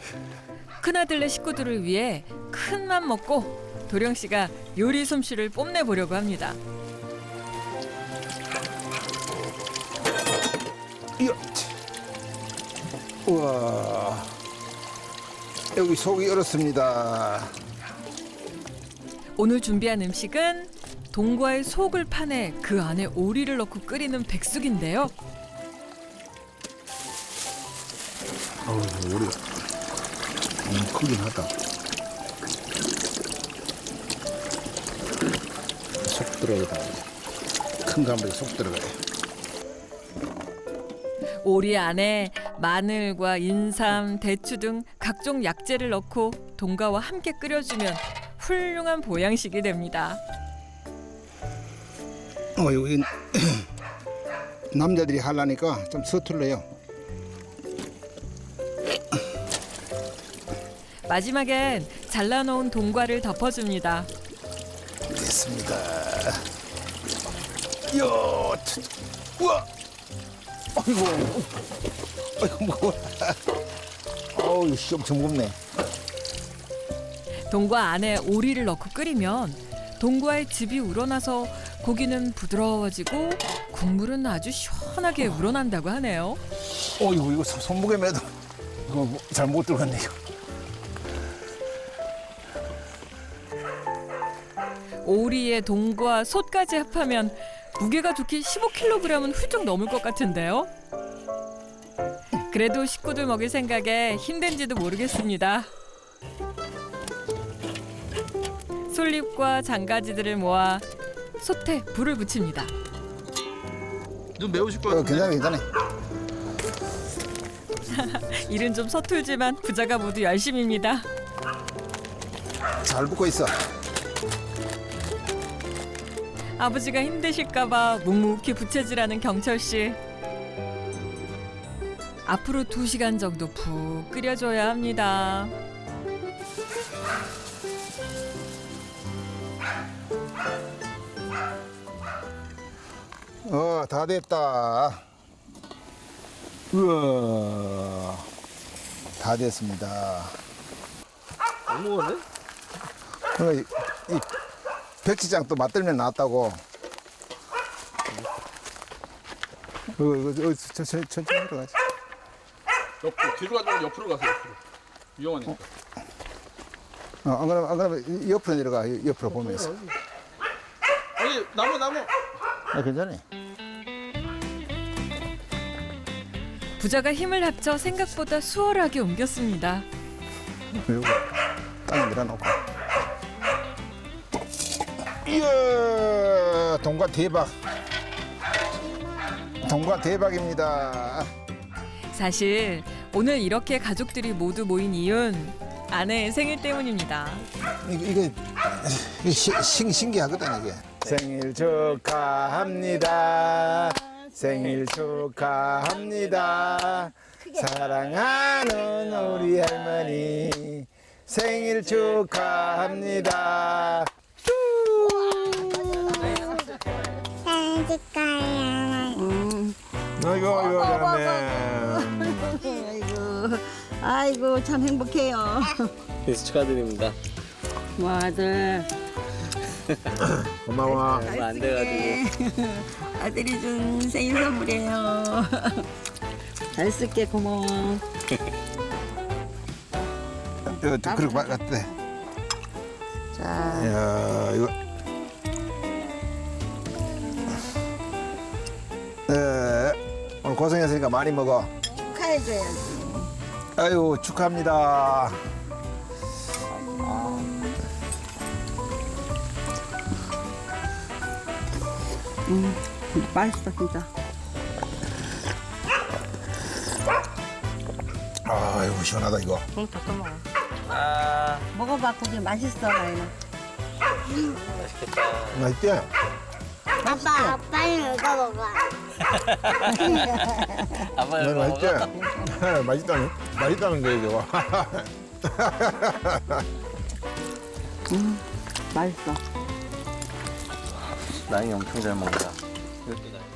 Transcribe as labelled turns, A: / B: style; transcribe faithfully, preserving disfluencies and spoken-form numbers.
A: 큰아들네 식구들을 위해 큰 맘 먹고 도령 씨가 요리 솜씨를 뽐내 보려고 합니다.
B: 이야. 우와. 여기 속이 얼었습니다.
A: 오늘 준비한 음식은 동과의 속을 파내 그 안에 오리를 넣고 끓이는 백숙인데요.
B: 어우, 오리가 음, 크긴 하다. 속 들어가다. 큰 감에 속 들어가요.
A: 오리 안에 마늘과 인삼, 대추 등 각종 약재를 넣고 동과와 함께 끓여주면 훌륭한 보양식이 됩니다.
B: 어, 여기 남자들이 하려니까 좀 서툴러요.
A: 마지막엔 잘라놓은 동과를 덮어줍니다.
B: 됐습니다. 이야, 차, 우와, 아이고, 아이고 무거워. 어우, 씨, 엄청 무겁네.
A: 동과 안에 오리를 넣고 끓이면 동과의 즙이 우러나서 고기는 부드러워지고 국물은 아주 시원하게 우러난다고 하네요.
B: 어, 이거 이거 손- 손목에 매도 이거 잘 못 들어갔네 이거.
A: 오리에 동과 솥까지 합하면 무게가 좋게 십오 킬로그램은 훌쩍 넘을 것 같은데요. 그래도 식구들 먹일 생각에 힘든지도 모르겠습니다. 솔잎과 장가지들을 모아 솥에 불을 붙입니다.
C: 좀 매우실 것
B: 어,
C: 같은데.
B: 괜찮아, 괜찮아.
A: 일은 좀 서툴지만 부자가 모두 열심입니다.
B: 잘 붓고 있어.
A: 아버지가 힘드실까봐 묵묵히 부채질하는 경철 씨. 앞으로 두 시간 정도 푹 끓여줘야 합니다.
B: 어, 다 됐다. 우와, 다 됐습니다.
C: 너무 먹었네?
B: 어, 이, 이 백지장 또 맛들면 나왔다고. 어, 이거, 이거, 천- 천- 천천히 들어가지.
C: 옆으로 뒤로 가지 말고 옆으로 가세요. 옆으로. 위험하니까.
B: 어, 안 그러면, 안 그러면 옆으로 내려가, 옆으로 보면서.
C: 아니 나무 나무.
B: 아, 괜찮아.
A: 부자가 힘을 합쳐 생각보다 수월하게 옮겼습니다.
B: 이거 땅에 밀어놓고. 이야, 동과 대박. 동과 대박입니다.
A: 사실 오늘 이렇게 가족들이 모두 모인 이유는 아내의 생일 때문입니다.
B: 이거, 이거, 이거 시, 신, 신기하거든, 이게. 생일 축하합니다. 생일 축하합니다. 사랑하는 우리 할머니. 생일 축하합니다.
D: 생일 축하해요.
B: 아이고, 아이고, 잘하네.
E: 아이고, 아이고 참 행복해요.
F: 축하드립니다.
E: 뭐 아들
B: 고마워.
F: 얼마 안 돼가지고.
E: 아들이 준 생일 선물이에요. 잘 쓸게 고마워.
B: 이거 그렇게 맞대.
E: 자,
B: 야, 이거. 네, 오늘 고생했으니까 많이 먹어.
E: 축하해줘야지.
B: 아유, 축하합니다.
E: 음, 맛있어 진짜.
B: 아이고, 시원하다, 이거.
E: 응, 더 먹어.
F: 아,
E: 먹어봐, 고기 맛있어, 나이는.
F: 맛있겠다.
B: 맛있대?
D: 아빠, 빨리 이거 먹어.
F: 아빠
B: 네,
F: 이거
B: 맛있지?
F: 먹어?
B: 맛있다는, 맛있다는 거예요, 저거.
E: 음, 맛있어.
F: 나이 엄청 잘 먹는다. 이것도 나이.